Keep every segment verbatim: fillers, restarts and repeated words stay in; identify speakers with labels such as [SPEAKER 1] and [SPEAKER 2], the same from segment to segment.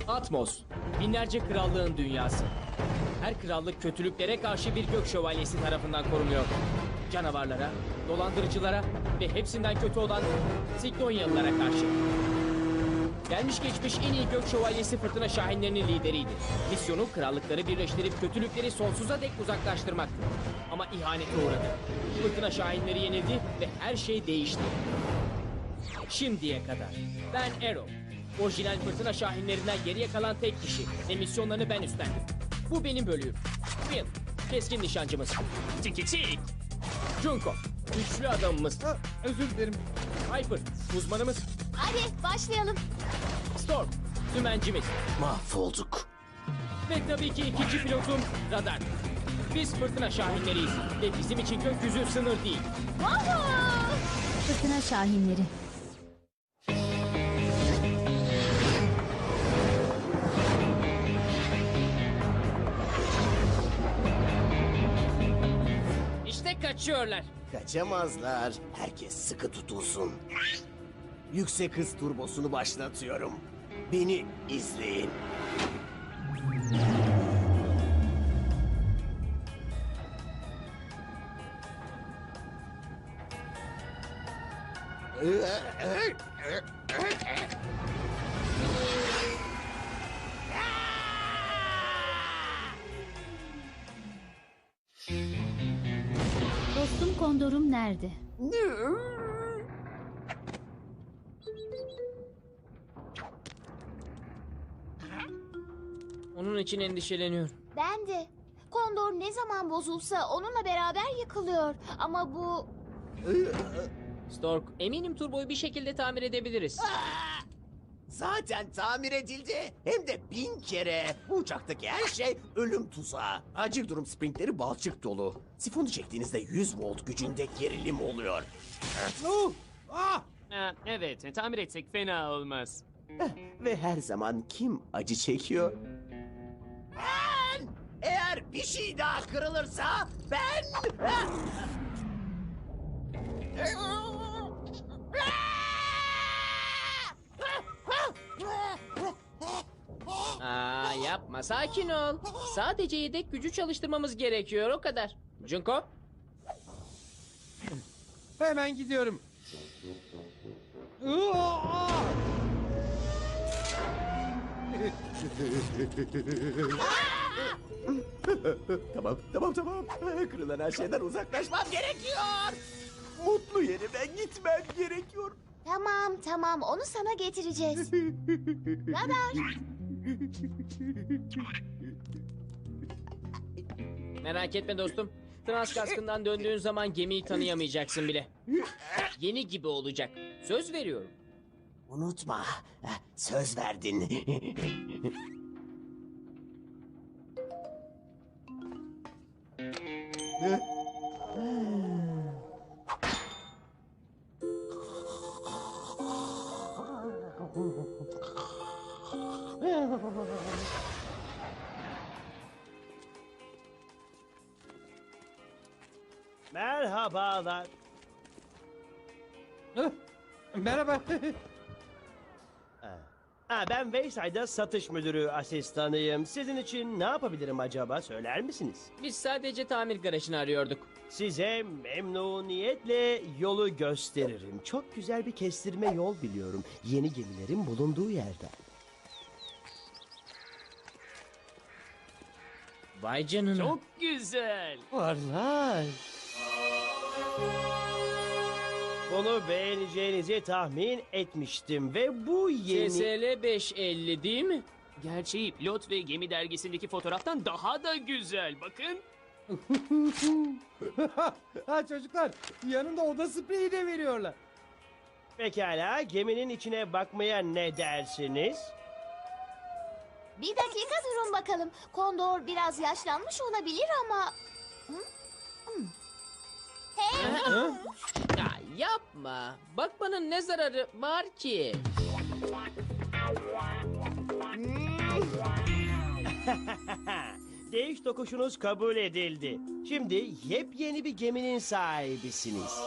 [SPEAKER 1] Atmos, binlerce krallığın dünyası. Her krallık kötülüklere karşı bir gök şövalyesi tarafından korunuyor. Canavarlara, dolandırıcılara ve hepsinden kötü olan Siklonyalılara karşı. Gelmiş geçmiş en iyi gök şövalyesi Fırtına Şahinlerinin lideriydi. Misyonu krallıkları birleştirip kötülükleri sonsuza dek uzaklaştırmaktı. Ama ihanete uğradı. Fırtına Şahinleri yenildi ve her şey değişti. Şimdiye kadar. Ben Arrow. Orijinal Fırtına Şahinlerinden geriye kalan tek kişi ve misyonlarını ben üstlendim. Bu benim bölüğüm. Will, keskin nişancımız.
[SPEAKER 2] Tiki tik.
[SPEAKER 1] Junko, güçlü adamımız.
[SPEAKER 3] Ha, özür dilerim.
[SPEAKER 1] Piper, uzmanımız.
[SPEAKER 4] Hadi başlayalım.
[SPEAKER 1] Storm, dümencimiz.
[SPEAKER 5] Mahvolduk.
[SPEAKER 1] Ve tabii ki ikinci pilotum Radar. Biz Fırtına Şahinleriyiz ve bizim için gökyüzü sınır değil.
[SPEAKER 4] Woohoo!
[SPEAKER 6] Fırtına Şahinleri.
[SPEAKER 1] İşte kaçıyorlar.
[SPEAKER 5] Kaçamazlar. Herkes sıkı tutulsun. Yüksek hız turbosunu başlatıyorum. Beni izleyin.
[SPEAKER 6] Dostum kondorum nerede?
[SPEAKER 1] Onun için endişeleniyorum.
[SPEAKER 4] Ben de. Kondor ne zaman bozulsa onunla beraber yıkılıyor. Ama bu...
[SPEAKER 1] Stork, eminim turboyu bir şekilde tamir edebiliriz.
[SPEAKER 5] Zaten tamir edildi. Hem de bin kere. Bu uçaktaki her şey ölüm tuzağı. Acil durum sprintleri balçık dolu. Sifonu çektiğinizde yüz volt gücünde gerilim oluyor.
[SPEAKER 3] Oh, ah!
[SPEAKER 2] Ha, evet, tamir etsek fena olmaz.
[SPEAKER 5] Ve her zaman kim acı çekiyor? Ben! Eğer bir şey daha kırılırsa ben...
[SPEAKER 1] Aa, yapma, sakin ol. Sadece yedek gücü çalıştırmamız gerekiyor, o kadar. Junko?
[SPEAKER 3] Hemen gidiyorum. Ah!
[SPEAKER 5] Tamam, tamam, tamam. Kırılan her şeyden uzaklaşmam gerekiyor. Mutlu yerime gitmem gerekiyor.
[SPEAKER 4] Tamam tamam onu sana getireceğiz. Radar.
[SPEAKER 1] Merak etme dostum. Trans kaskından döndüğün zaman gemiyi tanıyamayacaksın bile. Yeni gibi olacak. Söz veriyorum.
[SPEAKER 5] Unutma, söz verdin.
[SPEAKER 7] Merhabalar.
[SPEAKER 3] Ah, merhaba.
[SPEAKER 7] Ha, ben Wayside'da satış müdürü asistanıyım. Sizin için ne yapabilirim acaba söyler misiniz?
[SPEAKER 1] Biz sadece tamir garajını arıyorduk.
[SPEAKER 7] Size memnuniyetle yolu gösteririm. Çok güzel bir kestirme yol biliyorum. Yeni gemilerin bulunduğu yerden.
[SPEAKER 1] Vay canına.
[SPEAKER 2] Çok güzel.
[SPEAKER 7] Varlar. Bunu beğeneceğinizi tahmin etmiştim ve bu yeni...
[SPEAKER 1] S S L beş elli değil mi?
[SPEAKER 2] Gerçeği pilot ve gemi dergisindeki fotoğraftan daha da güzel. Bakın.
[SPEAKER 3] Ha çocuklar, yanında oda spreyi de veriyorlar.
[SPEAKER 7] Pekala, geminin içine bakmaya ne dersiniz?
[SPEAKER 4] Bir dakika durun bakalım. Kondor biraz yaşlanmış olabilir ama... Hı? Hı. Hey!
[SPEAKER 1] Ya yapma. Bakmanın ne zararı var ki?
[SPEAKER 7] Değiş tokuşunuz kabul edildi. Şimdi yepyeni bir geminin sahibisiniz.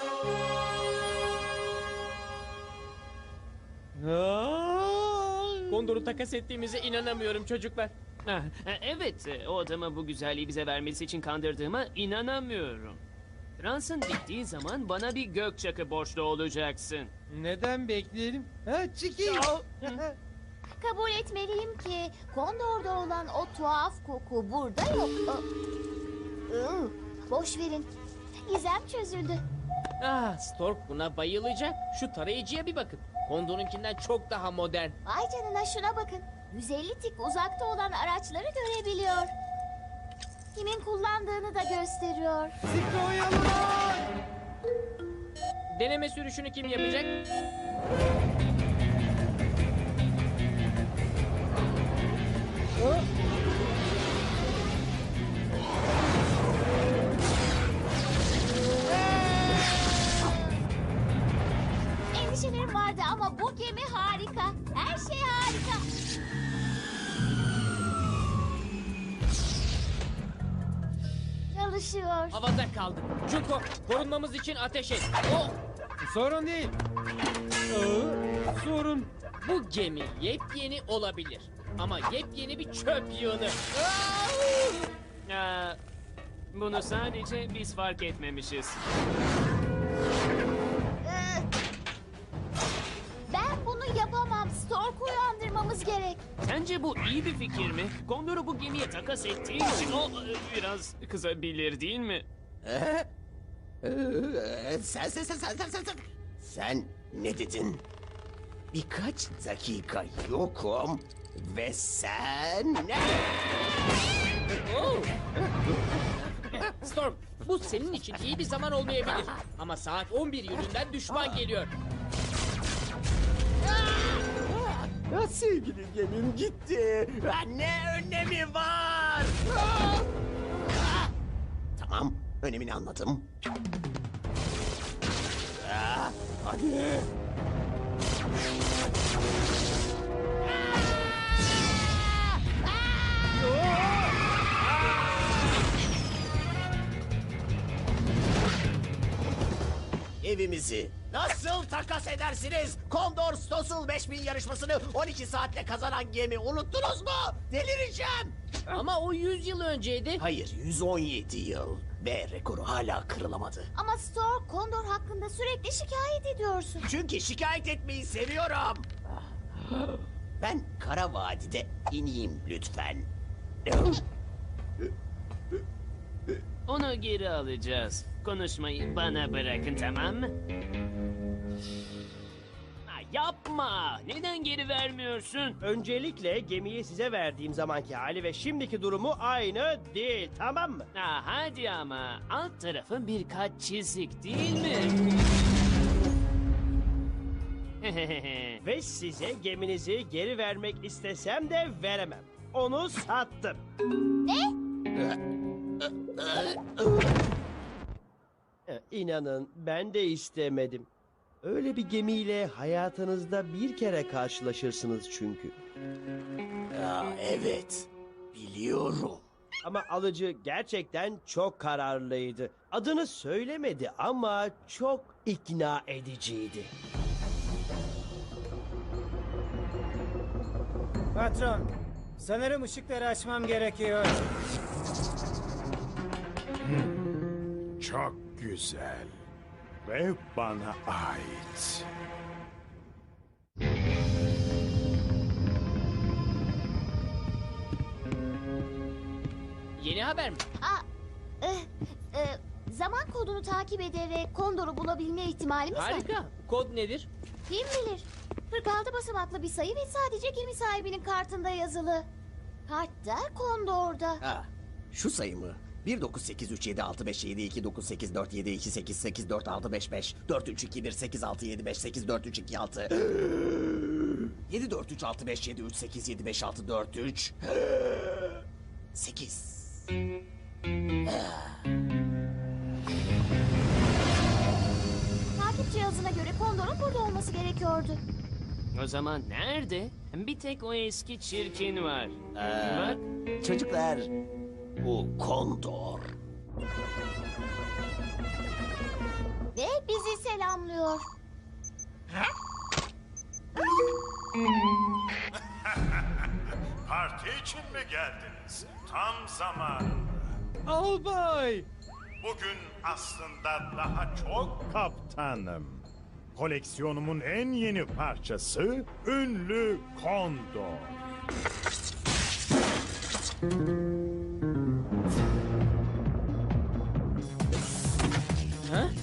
[SPEAKER 3] Aa!
[SPEAKER 1] Kondor'u takas ettiğimize inanamıyorum çocuklar.
[SPEAKER 2] Ah, e, evet, e, o adamı bu güzelliği bize vermesi için kandırdığıma inanamıyorum. Transın bittiği zaman bana bir gök çakı borçlu olacaksın.
[SPEAKER 3] Neden bekleyelim? Ha Çiki.
[SPEAKER 4] Kabul etmeliyim ki Kondor'da olan o tuhaf koku burada yok. Aa, ıı, boş verin. Gizem çözüldü.
[SPEAKER 1] Ah, Stork buna bayılacak. Şu tarayıcıya bir bakın. Kondor'unkinden çok daha modern.
[SPEAKER 4] Vay canına şuna bakın. yüz elli tik uzakta olan araçları görebiliyor. Kimin kullandığını da gösteriyor.
[SPEAKER 3] Sikroyalılar.
[SPEAKER 1] Deneme sürüşünü kim yapacak?
[SPEAKER 4] Endişelerim vardı ama bu gemi harika. Her şey harika. Çalışıyor.
[SPEAKER 1] Havada kaldı. Junko, korunmamız için ateş et. Oh!
[SPEAKER 3] Sorun değil. Aa, sorun.
[SPEAKER 1] Bu gemi yepyeni olabilir. Ama yepyeni bir çöp yığını.
[SPEAKER 2] Aa, bunu sadece biz fark etmemişiz.
[SPEAKER 4] Ee, Ben bunu yapamam. Stork'u uyandırmamız gerek.
[SPEAKER 2] Sence bu iyi bir fikir mi? Kondor'u bu gemiye takas ettiğin için o e, biraz kızabilir değil mi?
[SPEAKER 5] Ee, sen sen sen sen sen sen sen. Sen ne dedin? Birkaç dakika yokum ve sen ne?
[SPEAKER 1] Oh! Storm, bu senin için iyi bir zaman olmayabilir. Ama saat on bir yönünden düşman geliyor.
[SPEAKER 5] Ya sevgili gemim gitti. Ha, ne önemi var? Ah! Ah! Tamam, önemini anladım. Ah, hadi. Evimizi nasıl takas edersiniz? Kondor Stossel beş bin yarışmasını on iki saatte kazanan gemi unuttunuz mu? Delireceğim.
[SPEAKER 1] Ama o yüz yıl önceydi.
[SPEAKER 5] Hayır, yüz on yedi yıl ve rekoru hala kırılamadı.
[SPEAKER 4] Ama Stork, Kondor hakkında sürekli şikayet ediyorsun.
[SPEAKER 5] Çünkü şikayet etmeyi seviyorum. Ben Kara Vadi'de ineyim lütfen.
[SPEAKER 2] Onu geri alacağız. Konuşmayı bana bırakın, tamam mı? Ha, yapma! Neden geri vermiyorsun?
[SPEAKER 7] Öncelikle gemiyi size verdiğim zamanki hali ve şimdiki durumu aynı değil, tamam mı?
[SPEAKER 2] Ha, hadi ama alt tarafı birkaç çizik değil mi?
[SPEAKER 7] Ve size geminizi geri vermek istesem de veremem. Onu sattım. E, İnanın ben de istemedim. Öyle bir gemiyle hayatınızda bir kere karşılaşırsınız çünkü.
[SPEAKER 5] Ya evet, biliyorum.
[SPEAKER 7] Ama alıcı gerçekten çok kararlıydı. Adını söylemedi ama çok ikna ediciydi.
[SPEAKER 3] Patron, sanırım ışıkları açmam gerekiyor.
[SPEAKER 8] Çok güzel ve bana ait.
[SPEAKER 1] Yeni haber mi?
[SPEAKER 4] Aa, eh, eh, zaman kodunu takip ederek Kondor'u bulabilme ihtimalimiz var.
[SPEAKER 1] Harika. Kod nedir?
[SPEAKER 4] Kim bilir? kırk altı basamaklı bir sayı ve sadece gemi sahibinin kartında yazılı. Kartta Kondor'da.
[SPEAKER 5] Ha, şu sayı mı? bir dokuz sekiz üç yedi altı beş yedi iki dokuz sekiz dört yedi iki sekiz sekiz dört altı beş beş dört üç iki bir sekiz altı yedi beş sekiz dört üç iki altı yedi dört üç altı beş yedi üç sekiz yedi beş altı dört üç sekiz.
[SPEAKER 4] Takip cihazına göre Kondor'un burada olması gerekiyordu.
[SPEAKER 2] O zaman nerede? Bir tek o eski çirkin var. Bak.
[SPEAKER 5] Çocuklar, bu Kondor.
[SPEAKER 4] Ve bizi selamlıyor.
[SPEAKER 8] için mi geldiniz? Tam zamanında.
[SPEAKER 3] Albay!
[SPEAKER 8] Bugün aslında daha çok kaptanım. Koleksiyonumun en yeni parçası ünlü Kondor.
[SPEAKER 1] Ha?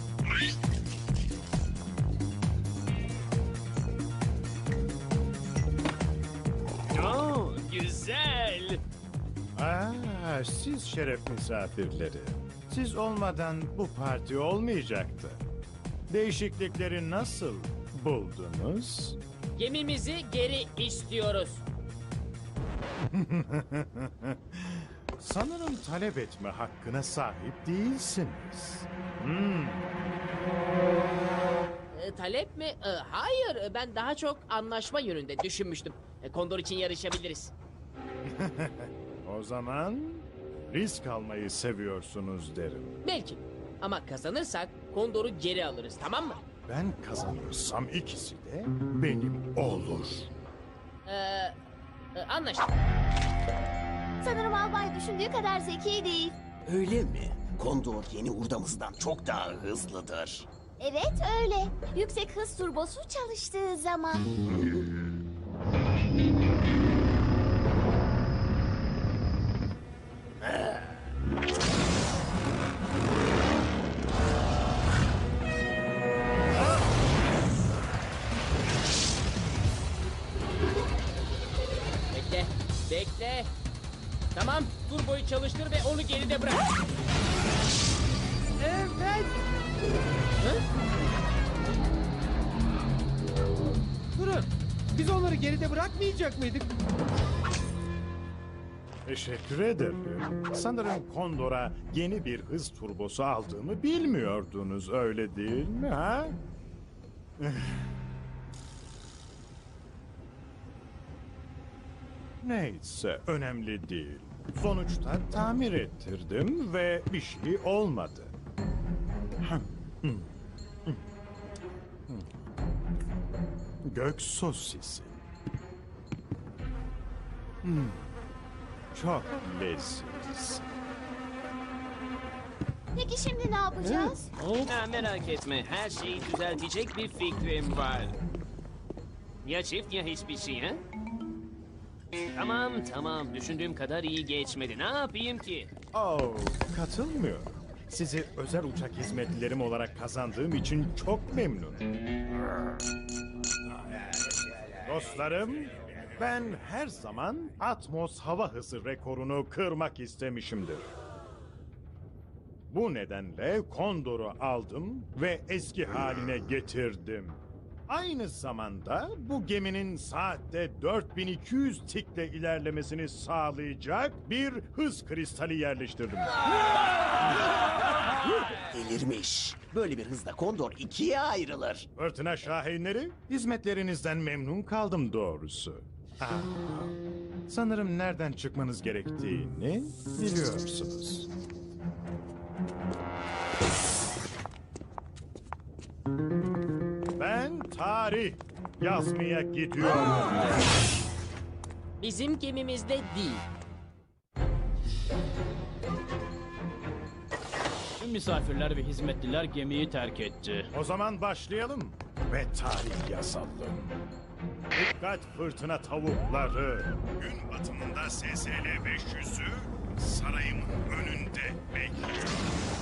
[SPEAKER 2] Oo, güzel.
[SPEAKER 8] Aa, siz şeref misafirleri. Siz olmadan bu parti olmayacaktı. Değişiklikleri nasıl buldunuz?
[SPEAKER 1] Gemimizi geri istiyoruz.
[SPEAKER 8] Sanırım talep etme hakkına sahip değilsiniz. Hmm.
[SPEAKER 1] E, talep mi? E, hayır, e, ben daha çok anlaşma yönünde düşünmüştüm. E, Kondor için yarışabiliriz.
[SPEAKER 8] O zaman risk almayı seviyorsunuz derim.
[SPEAKER 1] Belki. Ama kazanırsak Kondor'u geri alırız, tamam mı?
[SPEAKER 8] Ben kazanırsam ikisi de benim olur.
[SPEAKER 1] Ee, e, anlaştık.
[SPEAKER 4] Sanırım albay düşündüğü kadar zeki değil.
[SPEAKER 5] Öyle mi? Kondor yeni hurdamızdan çok daha hızlıdır.
[SPEAKER 4] Evet öyle. Yüksek hız turbosu çalıştığı zaman.
[SPEAKER 1] Bekle, bekle. Tamam, turboyu çalıştır ve onu geride bırak.
[SPEAKER 3] Evet!
[SPEAKER 1] Hı?
[SPEAKER 3] Durun! Biz onları geride bırakmayacak mıydık?
[SPEAKER 8] Teşekkür ederim. Sanırım Kondor'a yeni bir hız turbosu aldığımı bilmiyordunuz, öyle değil mi ha? Neyse, önemli değil. Sonuçta tamir ettirdim ve bir şey olmadı. Gök sosisi. Hmm. Çok lezzetli.
[SPEAKER 4] Peki şimdi ne yapacağız?
[SPEAKER 2] Ha, merak etme, her şeyi düzeltecek bir fikrim var. Ya çift ya hiçbir şey ha? Tamam tamam, düşündüğüm kadar iyi geçmedi. Ne yapayım ki?
[SPEAKER 8] Oh, katılmıyorum. Sizi özel uçak hizmetlilerim olarak kazandığım için çok memnunum. Dostlarım, ben her zaman Atmos hava hızı rekorunu kırmak istemişimdir. Bu nedenle Kondor'u aldım ve eski haline getirdim. Aynı zamanda bu geminin saatte dört bin iki yüz tikle ilerlemesini sağlayacak bir hız kristali yerleştirdim.
[SPEAKER 5] Delirmiş. Böyle bir hızda Kondor ikiye ayrılır.
[SPEAKER 8] Fırtına şahinleri, hizmetlerinizden memnun kaldım doğrusu. Ah, sanırım nereden çıkmanız gerektiğini biliyorsunuz. Ben tarih yazmaya gidiyorum.
[SPEAKER 1] Bizim gemimizde değil.
[SPEAKER 9] Tüm misafirler ve hizmetliler gemiyi terk etti.
[SPEAKER 8] O zaman başlayalım ve tarih yazalım. Dikkat fırtına tavukları. Gün batımında S S L beş yüzü sarayımın önünde bekliyor.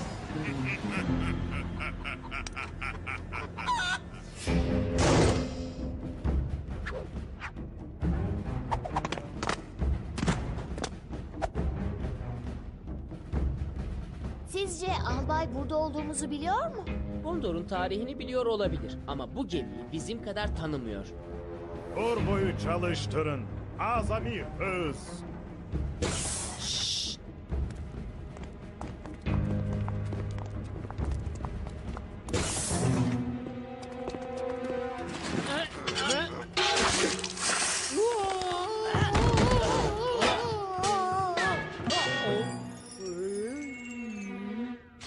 [SPEAKER 4] Sizce albay burada olduğumuzu biliyor mu?
[SPEAKER 1] Kondor'un tarihini biliyor olabilir ama bu gemiyi bizim kadar tanımıyor.
[SPEAKER 8] Turboyu çalıştırın. Azami hız.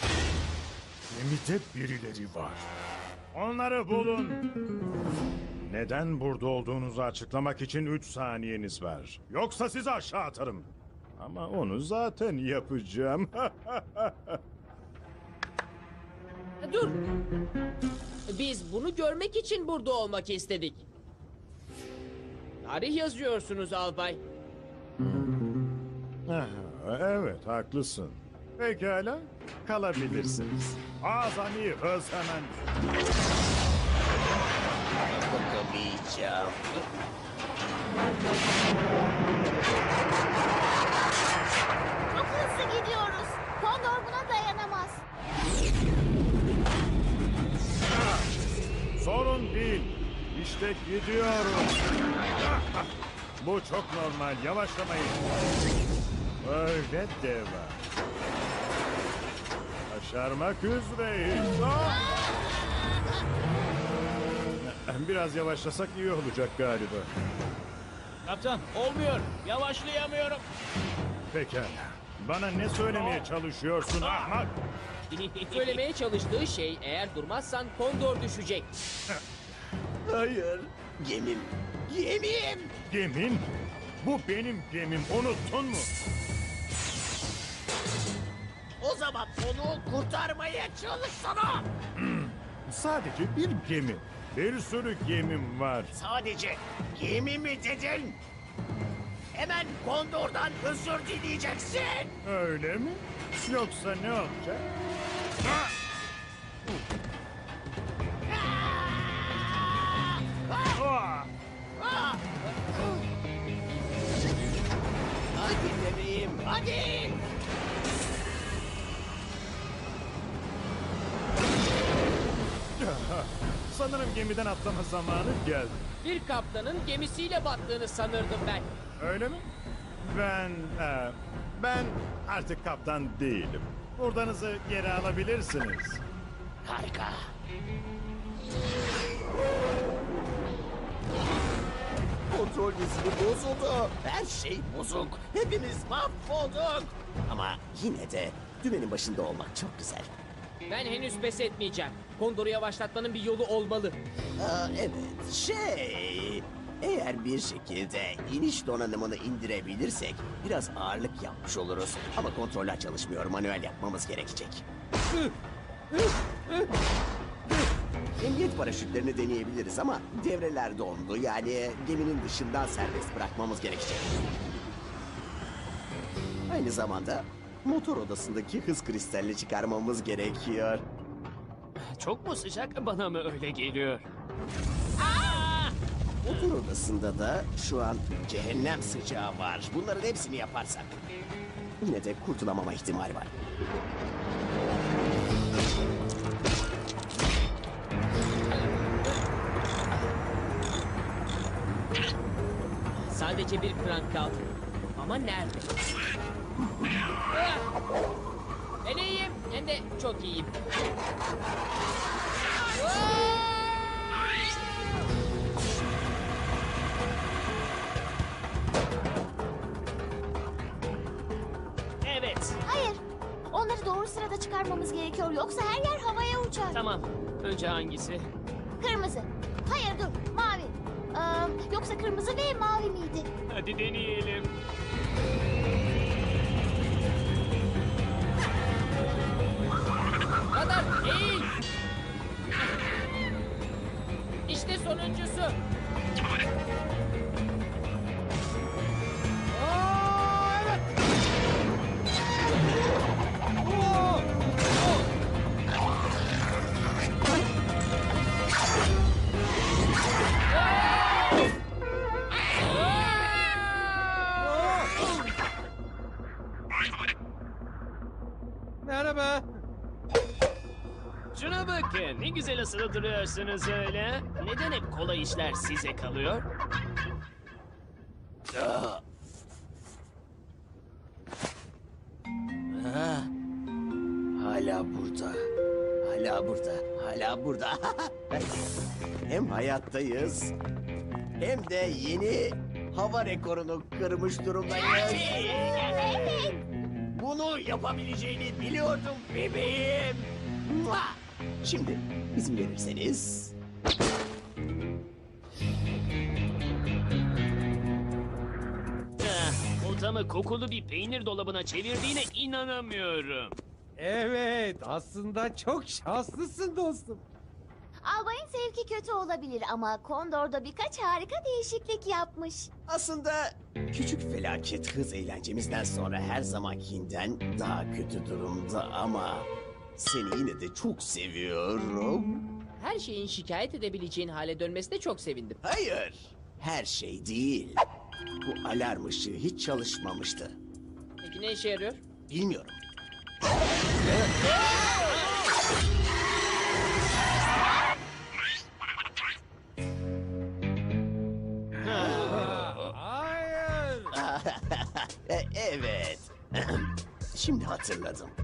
[SPEAKER 8] Gemide birileri var. Onları bulun. Neden burada olduğunuzu açıklamak için üç saniyeniz var. Yoksa sizi aşağı atarım. Ama onu zaten yapacağım.
[SPEAKER 1] Dur. Biz bunu görmek için burada olmak istedik. Tarih yazıyorsunuz albay.
[SPEAKER 8] Ah, evet, haklısın. Pekala, kalabilirsiniz. Azami hız hemen.
[SPEAKER 5] Bakamayacağım.
[SPEAKER 4] Çok hızlı gidiyoruz. Kondor buna dayanamaz.
[SPEAKER 8] Sorun değil. İşte gidiyorum. Bu çok normal. Yavaşlamayın. Öyle deva. Başarmak üzereyiz. Ah! Biraz yavaşlasak iyi olacak galiba.
[SPEAKER 9] Kaptan olmuyor. Yavaşlayamıyorum.
[SPEAKER 8] Pekala. Bana ne söylemeye çalışıyorsun ahmak?
[SPEAKER 1] Söylemeye çalıştığı şey eğer durmazsan Kondor düşecek.
[SPEAKER 5] Hayır. Gemim. Gemim.
[SPEAKER 8] Gemin? Bu benim gemim. Unuttun mu?
[SPEAKER 5] O zaman onu kurtarmaya çalışsana.
[SPEAKER 8] Sadece bir gemi. Bir sürü gemim var.
[SPEAKER 5] Sadece gemi mi dedin? Hemen Kondor'dan özür dileyeceksin.
[SPEAKER 8] Öyle mi? Yoksa ne olacak? Ah!
[SPEAKER 5] Hadi bebeğim, hadi.
[SPEAKER 8] Sanırım gemiden atlama zamanı geldi.
[SPEAKER 1] Bir kaptanın gemisiyle battığını sanırdım ben.
[SPEAKER 8] Öyle mi? Ben... e, ben artık kaptan değilim. Buradanızı geri alabilirsiniz.
[SPEAKER 5] Harika. Kontrol dizili bozuldu. Her şey bozuk. Hepimiz mahvolduk. Ama yine de dümenin başında olmak çok güzel.
[SPEAKER 1] Ben henüz pes etmeyeceğim. Kondor'u yavaşlatmanın bir yolu olmalı.
[SPEAKER 5] Aa, evet, şey... Eğer bir şekilde iniş donanımını indirebilirsek biraz ağırlık yapmış oluruz. Ama kontroller çalışmıyor, manuel yapmamız gerekecek. Emniyet paraşütlerini deneyebiliriz ama devreler dondu. Yani geminin dışından serbest bırakmamız gerekecek. Aynı zamanda motor odasındaki hız kristalini çıkarmamız gerekiyor.
[SPEAKER 2] Çok mu sıcak, bana mı öyle geliyor?
[SPEAKER 5] Motor odasında da şu an cehennem sıcağı var. Bunların hepsini yaparsak yine de kurtulamama ihtimali var.
[SPEAKER 1] Sadece bir krank kaldı. Ama nerede? Ah! Ben iyiyim. Hem de çok iyiyim.
[SPEAKER 2] Evet,
[SPEAKER 4] Hayır. Onları doğru sırada çıkarmamız gerekiyor. Yoksa her yer havaya uçar.
[SPEAKER 2] tamam. Önce hangisi?
[SPEAKER 4] Kırmızı. Hayır dur. Mavi. Ee, yoksa kırmızı ve mavi miydi?
[SPEAKER 2] Hadi deneyelim.
[SPEAKER 1] Kadar eğil. İşte sonuncusu.
[SPEAKER 3] Aa, evet. Oo! Merhaba.
[SPEAKER 2] Şuna bakın, ne güzel asılı duruyorsunuz öyle. Neden hep kolay işler size kalıyor?
[SPEAKER 5] Ah. Ah. Hala burada. Hala burada. Hala burada. Hem hayattayız hem de yeni hava rekorunu kırmış durumdayız.
[SPEAKER 4] Evet.
[SPEAKER 5] Bunu yapabileceğini biliyordum bebeğim. Mua! Şimdi izin verirseniz...
[SPEAKER 2] çantamı kokulu bir peynir dolabına çevirdiğine inanamıyorum.
[SPEAKER 3] Evet, aslında çok şanslısın dostum.
[SPEAKER 4] Albayın zevki kötü olabilir ama Kondor'da birkaç harika değişiklik yapmış.
[SPEAKER 5] Aslında küçük felaket hız eğlencemizden sonra her zamankinden daha kötü durumda ama seni yine de çok seviyorum.
[SPEAKER 1] Her şeyin şikayet edebileceğin hale dönmesine çok sevindim.
[SPEAKER 5] Hayır, her şey değil. Bu alarm ışığı hiç çalışmamıştı.
[SPEAKER 1] Peki ne işe yarıyor?
[SPEAKER 5] Bilmiyorum.
[SPEAKER 3] Hayır.
[SPEAKER 5] E, evet. Şimdi hatırladım.